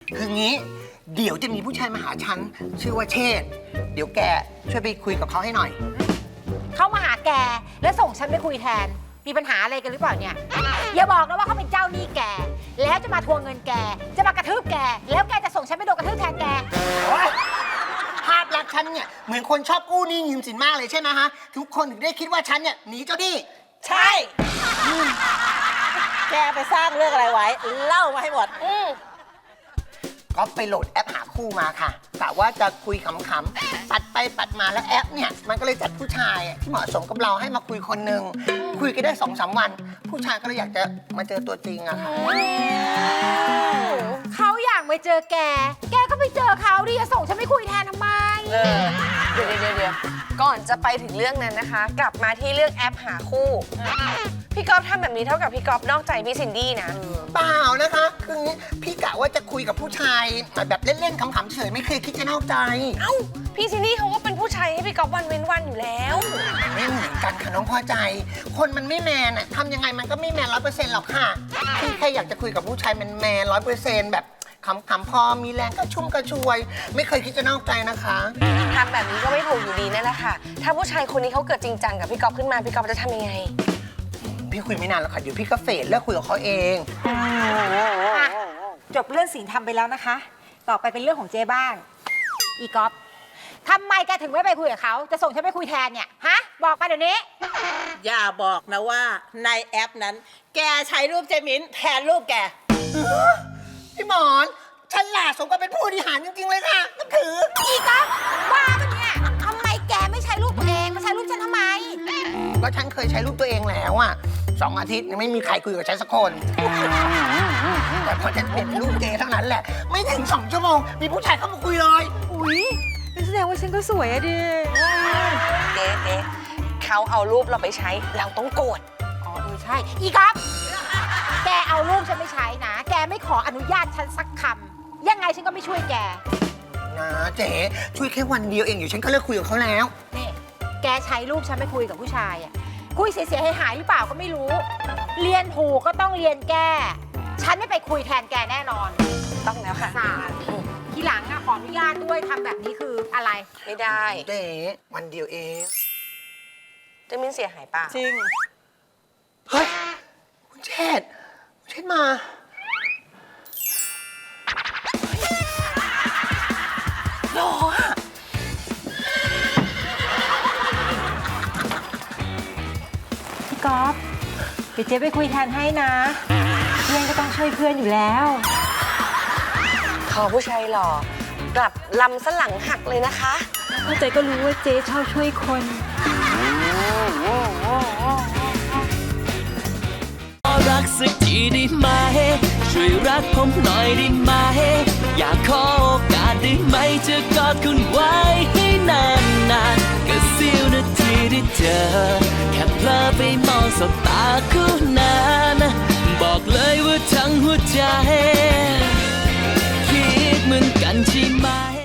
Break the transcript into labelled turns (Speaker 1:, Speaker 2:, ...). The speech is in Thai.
Speaker 1: คืองี้ เดี๋ยวจะมีผู้ชายมาหาฉันชื่อว่าเชษฐ์เดี๋ยวแกช่วยไปคุยกับเขาให้หน่อย
Speaker 2: เขามาหาแกแล้วส่งฉันไปคุยแทน มีปัญหาอะไรกันหรือเปล่าเนี่ย อย่าบอกนะว่าเขาเป็นเจ้าหนี้แก แล้วจะมาทวงเงินแก จะมากระทืบแก แล้วแกจะส่งฉันไปโดนกระทืบแทนแก
Speaker 1: ภาพลักษณ์ฉันเนี่ยเหมือนคนชอบกู้หนี้ยืมสินมากเลยใช่ไหมฮะ ทุกคนถึงได้คิดว่าฉันเนี่ยหนีเจ้าหนี้
Speaker 3: ใช่ แกไปสร้างเรื่องอะไรไว้ เล่ามาให้หมด
Speaker 1: ก็ไปโหลดแอปหาคู่มาค่ะกะว่าจะคุยขำๆปัดไปปัดมาแล้วแอปเนี่ยมันก็เลยจัดผู้ชายที่เหมาะสมกับเราให้มาคุยคนหนึ่งคุยกันได้2-3 วัน ผู้ชายก็เลยอยากจะมาเจอตัวจริงอะค่ะ
Speaker 2: เขาอยากไปเจอแก แกก็ไปเจอเขาดิจะส่งฉันไปคุยแทนทำไม
Speaker 4: เดี๋ยวก่อนจะไปถึงเรื่องนั้นนะคะ กลับมาที่เรื่องแอปหาคู่ พี่ก๊อฟทำแบบนี้เท่ากับพี่ก๊อฟนอกใจพี่ซินดี้นะ
Speaker 1: เปล่านะคะคืองี้พี่กะว่าจะคุยกับผู้ชายแบบเล่นๆขำๆเฉยไม่เคยคิดจะนอกใจ
Speaker 4: เอ้า พี่ซินดี้เขาก็เป็นผู้ชายให้พี่ก๊อฟวันเว้นวันอยู่แล้ว
Speaker 1: ไม่เหมือนกันค่ะน้องพอใจ คนมันไม่แมนอะทำยังไงมันก็ไม่แมน100%หรอกค่ะพี่แค่อยากจะคุยกับผู้ชายแมน100%แบบขำๆพอมีแรงก็ชุ่มกระชวย ไม่เคยคิดจะนอกใจนะคะ
Speaker 4: ทำแบบนี้ก็ไม่ถูกอยู่ดีนั่นแหละค่ะ ถ้าผู้ชายคนนี้เขาเกิดจริงจังกับพี่ก๊อฟขึ้นมาพี่ก๊อฟจะทำยังไง
Speaker 1: พี่คุยไม่นานหรอกค่ะเดี๋ยวพี่ก็เฟดเลิกคุยกับเขาเอง
Speaker 2: จบเรื่องศีลธรรมไปแล้วนะคะ ต่อไปเป็นเรื่องของเจ๊บ้าง อีก๊อฟทำไมแกถึงไม่ไปคุยกับเขา จะส่งฉันไปคุยแทนเนี่ย ฮะ บอกมาเดี๋ยวนี้
Speaker 3: อย่าบอกนะว่าในแอปนั้น แกใช้รูปเจมินแทนรูปแก
Speaker 1: พี่หมอนฉันหลาดสมกับเป็นผู้บริหารจริงๆเลยค่ะนับถือ
Speaker 2: อีก๊อฟว่าปะเนี่ยทำไมแกไม่ใช้รูปตัวเองมาใช้รูปฉันทำไม
Speaker 1: ก็ฉันเคยใช้รูปตัวเองแล้วอะ2 อาทิตย์ยังไม่มีใครคุยกับฉันสักคน แต่พอฉันเปลี่ยนเป็นรูปเกย์เท่านั้นแหละ ไม่ถึง2 ชั่วโมงมีผู้ชายเข้ามาคุยเลย
Speaker 2: อุ๊ยแสดงว่าฉันก็สวยอะดิ
Speaker 4: เจ๊เขาเอารูปเราไปใช้ เราต้องโกรธ
Speaker 2: อ๋อใช่ อีก๊อฟแกเอารูปฉันไม่ใช้นะ แกไม่ขออนุญาตฉันสักคำ ยังไงฉันก็ไม่ช่วยแก
Speaker 1: นะเจ๊ช่วยแค่วันเดียวเองอยู่ฉันก็เลิกคุยกับเขาแล้ว
Speaker 2: นี่ แกใช้รูปฉันไปคุยกับผู้ชายอะคุยเสียหายๆหรือเปล่าก็ไม่รู้ เรียนถูกก็ต้องเรียนแก้ ฉันไม่ไปคุยแทนแกแน่นอน
Speaker 4: ต้องแล้วค่ะ
Speaker 2: สารทีหลังอะขออนุญาตด้วยทำแบบนี้คืออะไร
Speaker 4: ไม่ได้
Speaker 1: เจ๊วันเดียวเอง
Speaker 4: เจมินเสียหายเปล่า
Speaker 3: จริง
Speaker 1: เฮ้ยคุณเชษฐ์มา
Speaker 3: หรอ
Speaker 2: พี่ก๊อฟเดี๋ยวเจ๊ไปคุยแทนให้นะ เพื่อนก็ต้องช่วยเพื่อนอยู่แล้ว
Speaker 4: ขอผู้ชายหล่อกลับลำสนหลังหักเลยนะคะ
Speaker 2: เข้าใจก็รู้ว่าเจ๊ชอบช่วยคน
Speaker 5: รักสักทีได้ไหม ช่วยรักผมหน่อยได้ไหม อยากขอโอกาสได้ไหม จะกอดคุณไว้ให้นานๆก็เสี้ยวนาทีได้เจอ แค่เพลอไปมองสบตาคู่นั้นบอกเลยว่าทั้งหัวใจ คิดเหมือนกันใช่ไหม